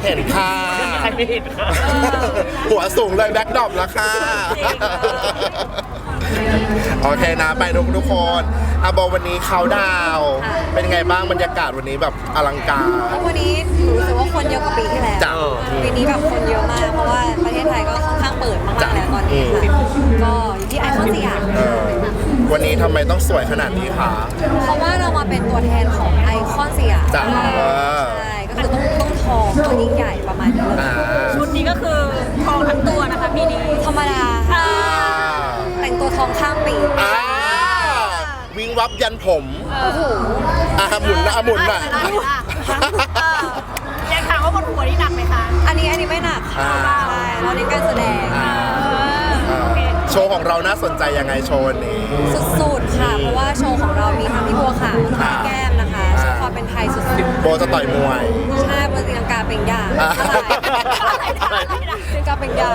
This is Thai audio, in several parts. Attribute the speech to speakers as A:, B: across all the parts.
A: เห็นค่ะ
B: ใครไม่เห็นค่ะ
A: หัวสูงเลยแบ็คดรอปแล้วค่ะ โอเคนะไปทุกคนอาโบวันนี้เขาดาวน์เป็นไงบ้างบรรยากาศวันนี้แบบอลังการ
C: วันนี้รู้สึกว่าคนเยอะกว่าปีที่แล้ว
A: จ้ะ
C: ปีนี้แบบคนเยอะมากเพราะว่าประเทศไทยก็ค่อนข้างเปิดมากๆแล้วตอนนี้ค่ะก็อยู่ที่ไอคอนสยาม
A: วันนี้ทำไมต้องสวยขนาดนี้คะ
C: เพราะว่าเรามาเป็นตัวแทนของไอคอนสยาม
A: จ้ะ
C: ใช่ก็คือต้องทองต้องยิ่งใหญ่ประมาณนี้เลย
A: อ่า
D: ชุดนี้ก็คือทองทั้งตัวนะคะปีนี้
C: ธรรมดาค่ะแต่งตัวทองข้ามปี
A: อ่าวิ่งวับยันผม
C: โอ้โห
A: หมุนนะหมุนน่ะ
D: อยากถามว่าบนหัวนี่หนักไหมคะ
C: อันนี้ไม่หนักค่ะใช่เราเน้นการแสดง
A: โชว์ของเราน่าสนใจยังไงโชว์วันนี้
C: สุดๆค่ะ เพราะว่าโชว์ของเรามีทั้งพี่บัวขาวทั้งพี่แก้มนะคะโชว์ความเป็นไทยสุด
A: โบจะต่อยมวย
C: ๆใช่บนตีลังกาเป็นอย่างอะไรตีลังกาเป็นอย่าง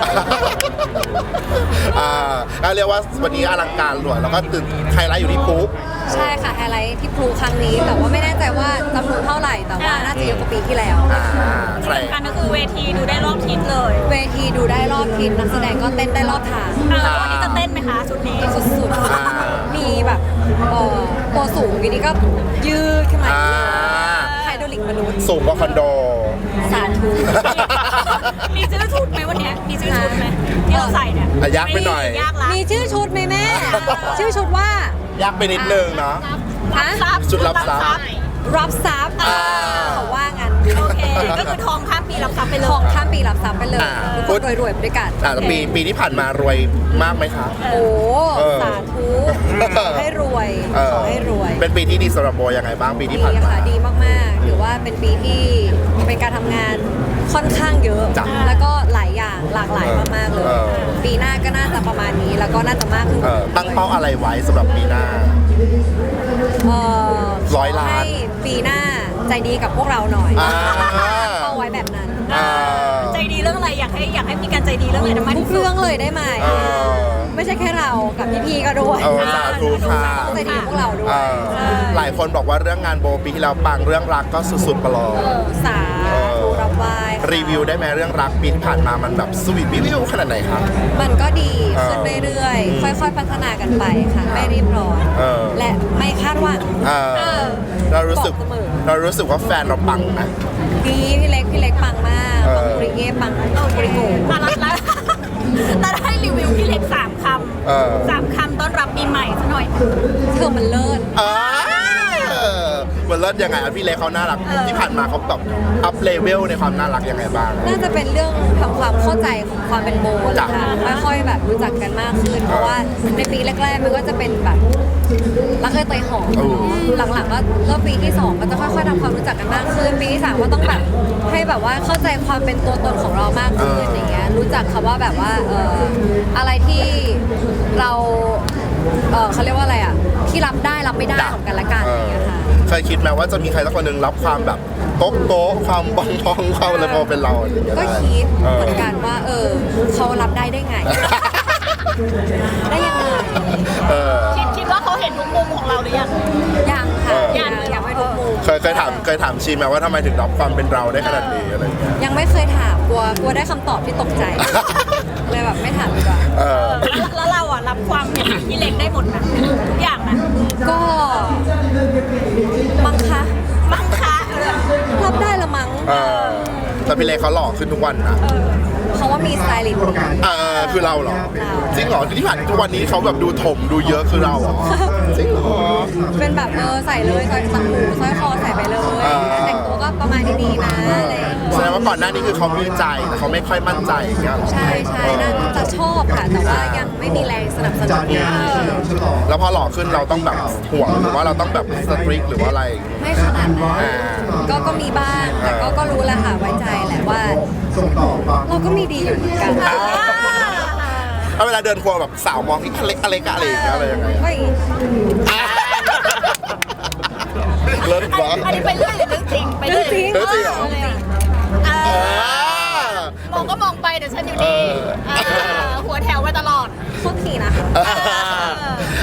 A: ก็เรียกว่าวันนี้อลังการหลวยแล้วก็ตื่นไฮไลท์อยู่ที่ปุ๊บ
C: ใช่ค่ะไฮไลท์ที่พลูครั้งนี้ แต่ว่าไม่แน่ใจว่าจำนวนเท่าไหร่ แต่ว่าน่าจะเยอะกว่าปีที่แล้ว
A: ใคร
D: สำคัญก็คือเวทีดูได้รอบทิศเลย
C: เวทีดูได้รอบทิศนักแสดงก็เต้นได้รอบทาง
D: วันนี้จะเต้นไหมคะชุดนี้
C: สุดๆมีแบบตัวสูงทีนี้ก็ยืดขึ้นมาไฮโดรลิกมนุษย์
A: สูงกว่าคอนโด
C: สาธุ
D: มีชื่อชุดไหมวันนี้มีชื่อชุดไหมที่เราใส่เนี่ย
A: ยากไปหน่อย
D: ยากละ
C: มีชื่อชุดไหมแม่ ชื่อชุดว่าย
A: ากไปนิดนึงเนาะ
C: ฮะ
A: ชุดรับทรัพย์
C: รับทรัพย์เขาว่างั้น
D: โอเคก็คือทองข้ามปีรับทรัพย์ไปเลย
C: ทองข้ามปีรับทรัพย์ไปเลยทุกคนรวยๆไปด้วยกัน
A: แต่ปีที่ผ่านมารวยมากไหมคะ
C: โอ้สาธุขอให้รวยขอให้รวย
A: เป็นปีที่ดีสำหรับโบยังไงบ้างปีที่
C: ดี
A: ผ่านมา
C: ค่ะดีมากๆถือว่าเป็นปีที่เป็นการทำงานค่อนข้างเยอะ
A: จ้ะ
C: แล้วก็หลายอย่างหลากหลายมากๆเลย ปีหน้าก็น่าจะประมาณนี้แล้วก็น่าจะมากขึ้น
A: ตั้งเป้าอะไรไว้สำหรับปีหน้า
C: เอ่อ
A: 100 ล้าน
C: ให้ปีหน้าใจดีกับพวกเราหน่อย
A: อ่า
C: เอาไว้แบบนั้น
D: ใจดีเรื่องอะไรอยากให้มีการใจดีเรื่องอะไรนะมัน
C: ทุกเรื่องเลยได้ไหม ไม่ใช่แค่เรากับพี่ๆก็ด้วย
A: สาธุค่ะ
C: ต้องใจดีกับพวกเราด้วย
A: หลายคนบอกว่าเรื่องงานโบปีที่แล้วปังเรื่องรักก็สุดๆไปเลย
C: สาธุรับไหว้ค่ะ
A: รีวิวได้ไหมเรื่องรักปีที่ผ่านมามันแบบสวีทวิวขนาดไหนครับ
C: มันก็ดีขึ้นเรื่อยๆ ค่อยๆ พัฒนากันไปค่ะ ไม่รีบร้อน และไม่คาดหวัง
A: เรารู้สึก
C: บอกเสมอ
A: เรารู้สึกว่าแฟนเราปังไหม
C: ดีพี่เล็กปังมากปังบริเย่ปังบริโก
D: แล้วให้รีวิวพี่เล็ก3 คำ3 คำต้อนรับปีใหม่ซะหน่อย
C: เธอมันเลิศ
A: มันเลิศยังไงอ่ะพี่เล็กเขาน่ารักที่ผ่านมาเขาแบบอัพเลเวลในความน่ารักยังไงบ้าง
C: น่าจะเป็นเรื่องทำความเข้าใจของความเป็นโบแหละค่ะค่อยๆแบบรู้จักกันมากขึ้น เพราะว่าในปีแรกๆมันก็จะเป็นแบบรักเคยเตยหอมหลังๆก็เริ่มปีที่2ก็จะค่อยๆทำความรู้จักกันมากขึ้น ปีที่3ก็ต้องแบบให้แบบว่าเข้าใจความเป็นตัวตนของเรามากขึ้นอย่างเงี้ยรู้จักคำว่าแบบว่าอะไรที่เราเขาเรียกว่าอะไรอ่ะที่รับได้รับไม่ได้ของกันและกันอย่างเงี้ยค่ะ
A: เคยคิดไหมว่าจะมีใครสักคนหนึ่งรับความแบบโต๊ะโต๊ะความบองบองความอะไรพอเป็นเราอะไรอย่างเงี้ย
C: ก็คิดเหมือนกันว่าเขารับได้ได้ไง ได้ยังไง
D: คิดว่าเขาเห็นทุกมุมของเราหรือยัง
C: ยังค่ะยังไม่ทุกมุม
A: เคยถามชีไหมว่าทำไมถึงรับความเป็นเราได้ขนาดนี้อะไรอย่างเงี้ย
C: ยังไม่เคยถามกลัวได้คำตอบที่ตกใจ เลยแบบไม่ถามดีกว่า
D: แล้วเราอ่ะรับความเป็นพี่เล็กได้หมดนะทุกอย่างนะ
C: ก็มั้งคะ
D: มั้งคะ
C: รับได้ละมั้ง
A: แต่พี่เล็กเขาหล่อขึ้นทุกวันนะ
C: เขาว่ามีสไตลิสต์
A: คือเราเหรอจริงเหรอที่ผ่านทุกวันนี้เขาแบบดูถมดูเยอะคือเราเหรอจริงเหรอ
C: เป็นแบบใส่เลยสร้อยสังหูสร้อยคอใส่ไปเลยแต่งตัวก็ประมาณนี้นะอะไรอย่างเงี้ย
A: แสดงว่าก่อนหน้านี้คือเขามีใจแต่เขาไม่ค่อยมั่นใจอย่างเงี้ยเหรอ
C: ใช่น่าจะชอบค่ะ แต่ว่ายังไม่มีแรงสนับสนุน
A: แล้วพอหล่อขึ้นเราต้องแบบห่วงหรือว่าเราต้องแบบสตริกหรือว่าอะไร
C: ไม่ขนาดนั้นก็มีบ้างแต่ก็รู้แหละค่ะไว้ใจแหละว่าเราก็มีดีอยู่เหมือนกัน
A: ถ้าเวลาเดินครัวแบบสาวมองที่เล็กอะไรกันอะไรอย่างเงี้ยอะไรยังไง
C: เฮ้ย
A: เลิศวะ
D: อันนี้ไปเรื่อยหรือเรื่องจริงไป
C: เรื่องจริง
A: เรื่องจริงเหรอ
D: มองก็มองไปเดี๋ยวฉันอยู่นี่หัวแถวไว้ตลอด
C: โคตรขี่นะคะ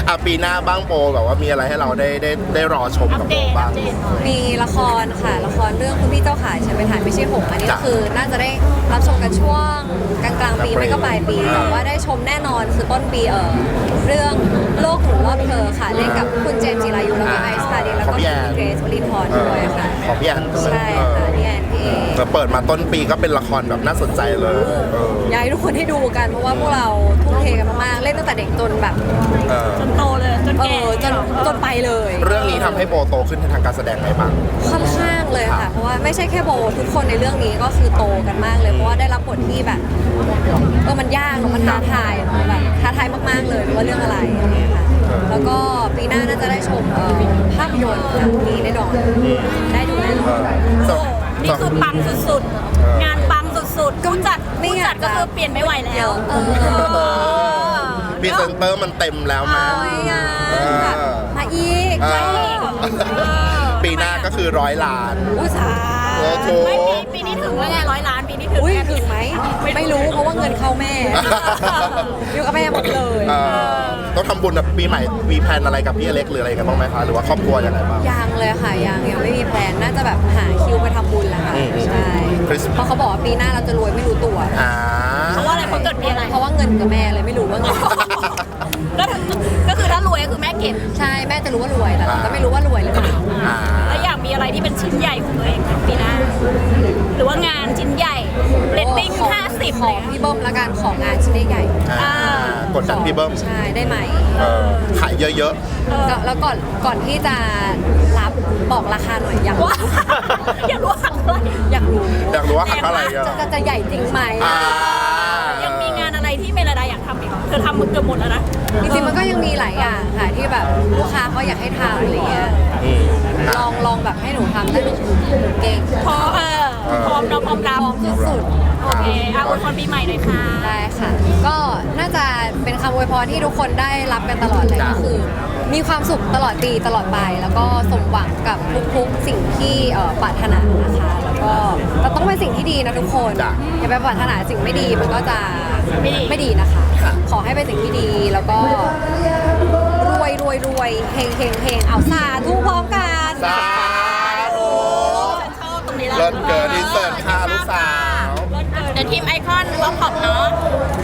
A: ปีหน้าบ้างโบแบบว่ามีอะไรให้เราได้รอชม
D: อั
A: กั
D: ป
A: บ
D: เด
A: โบ
D: ต
A: บ้าง
C: มีละครค่ะละครเรื่องคุณพี่เจ้าขาฉันเป็นถ่ายไม่ใช่หงส์อันนี้ก็
A: จ้ะ
C: คือน่าจะได้รับชมกันช่วงกลางๆปีไม่ก็ปลายปีแต่ว่าได้ชมแน่นอนคือต้นปีเรื่องโลกหมุนรอบเธอค่ะเล่นกับคุณเจมส์จิรายุแล้วก็ไอซ์พาดินแล้วก็คุณเกรซวลินทร์ด้วยค่ะ
A: ของพี่แอน
C: ใช่ค่ะพี่แอนพี่เอ
A: เปิดมาต้นปีก็เป็นละครแบบน่าสนใจเลย
C: อยากให้ทุกคนได้ดูกันเพราะว่าพวกเราทุ่มเทกันมากๆเล่นตั้งแต่เด็กจนแบบ
D: จนโตเลยจนแก่
C: จนไปเลย
A: เรื่องนี้ทำให้โบโตขึ้นในทางการแสดงไหมบ้าง
C: ค่อนข้างเลยค่ะ เพราะว่าไม่ใช่แค่โบทุกคนในเรื่องนี้ก็คือโตกันมากเลยเพราะว่าได้รับบทที่แบบมันยากมันท้าทายแบบท้าทายมากๆเลยว่าเรื่องอะไรอย่างเงี้ยค่ะแล้วก็ปีหน้าน่าจะได้ชมภาพยนตร์ค่ะมีแน่นอนได้ดูแน่นอน
D: โอ้นี่คือปังสุดๆ งานปังสุดๆผู้จัดก็คือเปลี่ยนไม่ไหวแล้ว
A: พรีเซนเตอร์มันเต็มแล้วนะ
C: แบบมาอีก
A: ปีหน้าก็คือ100 ล้าน
C: อุตสา
A: โอ้โห
D: ไม่ปีนี้ถึงแล้วไง100 ล้านปีนี้ถึง
C: อุ้ย
D: แน่
C: ถึงไหมไม่รู้เพราะว่าเงินเข้าแม่อยู่กับแม่หมดเลย
A: ต้องทำบุญแบบปีใหม่มีแพลนอะไรกับพี่อเล็กหรืออะไรกันบ้างไหมคะหรือว่าครอบครัวยังไงบ้าง
C: ยังเลยค่ะยังไม่มีแพลนน่าจะแบบหาคิวไปทำบุญแหละค่ะใช่
A: Christmas
C: เพราะเขาบอกว่าปีหน้าเราจะรวยไม่รู้ตัว
D: เพราะว่าอะไรเพราะเกิดปีอะไร
C: เพราะว่าเงินกับแม่เลยไม่รู้ว่าเงิน
D: ก็คือถ้ารวยก็คือแม่เก็บ
C: ใช่แม่จะรู้ว่ารวยแต่เราก็ไม่รู้ว่ารวยหรือเปล่า
D: แล้วอยากมีอะไรที่เป็นชิ้นใหญ่ของตัวเองปีหน้า หรือว่างานชิ้นใหญ่เรตติ้ง50
C: ของพี่เบิ้มละกันของงานชิ้นใหญ่
A: กดดันพี่เบิ้ม
C: ใช่ได้ไหม
A: ขายเยอะ
C: แล้วก่อนที่จะรับบอกราคาหน่อยอยากรู้
D: ว่าอยากรู้ว่าอะไร
C: อยากรู้
A: ๆอยากรู้ว่าหักเท่าไหร่กัน
C: จะใหญ่จริงไหม
D: ยังมีงานอะไรที่เมลดาอยากทำอีกเธอทำเกือบหมดแล้วนะ
C: จริงๆมันก็ยังมีหลายอย่างค่ะที่แบบลูกค้าเขาอยากให้ทำอะไรเงี้ยลองแบบให้หนูทำได้หนูเก่ง
D: พร้อมเราพร้อมรับ
C: สุด
D: โอเคอวยพรปีใหม่หน่อยค่ะ
C: ๆได้ค่ะ ก็น่าจะเป็นคำอวยพรที่ทุกคนได้รับกันตลอดเลยก็คือ มีความสุขตลอดปีตลอดไป แล้วก็สมหวังกับทุกๆสิ่งที่ปรารถนานะคะแล้วก็เราต้องเป็นสิ่งที่ดีนะทุกคนอย่าไปปรารถนาสิ่งไม่ดีมันก็จะไม่ดีนะคะ ขอให้เป็นสิ่งที่ดีแล้วก็รวยเฮงเอาสาธุพร้อมกัน
A: สาธุ
D: ฉันชอบตรงนี้แหละ
A: เลิศเกินอินเสิร์ตค่ะลูกสาว
D: เดี๋ยวทีมไอคอนล็อกขอบเนาะ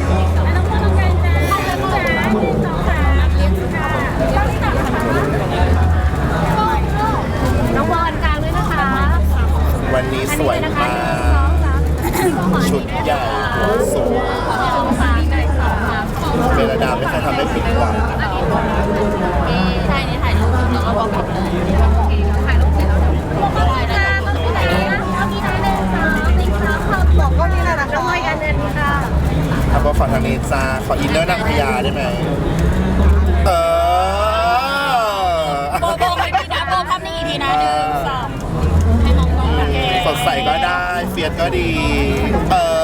D: น้องบอลกลางด้วยนะคะ
A: วันนี้สวยมากชุดใหญ่สวยเบลดาไม่เคยทำได้ผิดหวัง
D: ใช่นี่ถ่ายรูปแล้วก็บอกขอบเลยถ่ายรูปเสร็จแล้วถ่ายได้ก็มีถ่ายเลยนะมีถ่ายเลยค่ะจริงค่ะบอกก็มีนะน้องบอยกันเดินค่ะ
A: ถ้าบอกขอทางนี้จ้าขออินเนอร์นางพญาได้ไหม
D: โบให้พี่นะโบภาพนี้อีกทีนะ1 2ให้มองๆกัน
A: สดใสก็ได้เฟียสก็ดี